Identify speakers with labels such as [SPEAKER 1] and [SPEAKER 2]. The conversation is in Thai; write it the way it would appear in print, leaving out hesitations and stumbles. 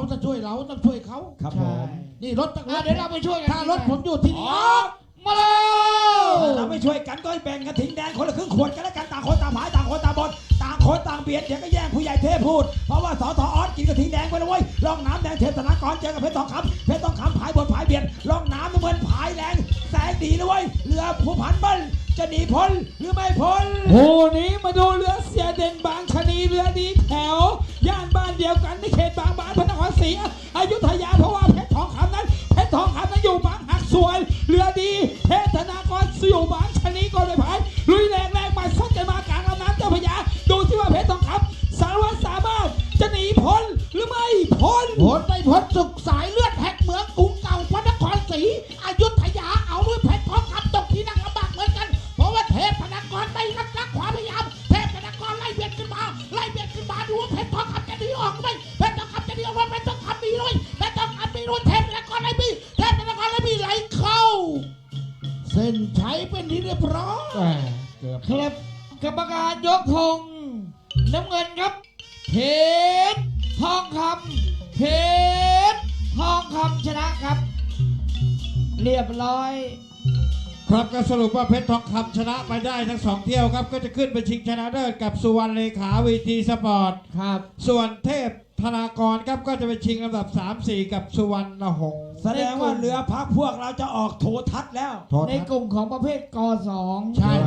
[SPEAKER 1] จะช่วยเราต้องช่วยเขา
[SPEAKER 2] ครับผม
[SPEAKER 1] นี่รถตั้ง
[SPEAKER 3] เดี๋ยวเราไปช่วยกัน
[SPEAKER 1] ถ้ารถผมอยู่ที่นี่
[SPEAKER 3] มาแล้ว
[SPEAKER 2] เราไม่ช่วยกันก็แบ่งกระถิ่งแดงคนละครึ่งขวดกันแล้วกันต่างคนต่างผายต่างคนต่างบนต่างคนต่างเบียดเดี๋ยวก็แย่งผู้ใหญ่เทพพูดเพราะว่าสทออสกินกระถิ่งแดงไปแล้วเว้ยร่องน้ำแดงเทพธนากรเจอกับเพชรทองคำเพชรทองคำผายบนผายเบียดร่องน้ำน้ำเงินผายแรงแสงดีนะเว้ยเรือผู้พันเบิ้ลจะหนีพ้นหรือไม่พ้น
[SPEAKER 3] คู่นี้มาดูเรือเสียเด่นบางชะนีเรือดีแถวย่านบ้านเดียวกันในเขตบางบานพระนครศรีอยุธยาเพราะว่าเพชรทองคำนั้นอยู่บางหักสวยเรือดีเทพธนากรอยู่บางชะนีก่อนเลยพายลุยแรงมาซัดกันมากลางลำน้ำเจ้าพระยาดูที่ว่าเพชรทองคำสารวัตรสามารถจะหนีพ้นหรือไม่พ้น
[SPEAKER 1] ผลไม่พ้นสุขสายเลือดแหกเมืองกรุงเก่าพระนครศรีอยุธยาเอาด้วยเพชรทองคำตกที่นั่งลำบากเหมือนกันเพราะว่าเทพธนากรได้รับรักความพยายามเทพธนากรไล่เบียดขึ้นมาดูว่าเพชรทองคำจะหนีออกไหมเพชรทองคำจะหนีออกไหมเพชรทองคำมีด้วยเพชรทองคำมีด้วยเทพธนากรไล่บีเทพธนากรไล่บีไหลเข้าเส้นชัยเป็นที่เรียบร้อย
[SPEAKER 3] ครับกรรมการยกธงน้ำเงินครับเพชรทองคำเพชรทองคำชนะครับ เรียบร้อย
[SPEAKER 4] ครับก็สรุปว่าเพชรทองคำชนะไปได้ทั้ง2เที่ยวครับก็จะขึ้นไปชิงชนะเลิศกับสุวรรณเลขาวีทีสปอร์ต
[SPEAKER 3] ครับ
[SPEAKER 4] ส่วนเทพธนากรครับก็จะไปชิงลำดับ 3-4 กับสุวรรณหงษ์
[SPEAKER 2] แสดงว่าเรือพักพวกเราจะออกโททัศน์แล้ว
[SPEAKER 3] ในกลุ่มของประเภทก 2
[SPEAKER 4] ใช่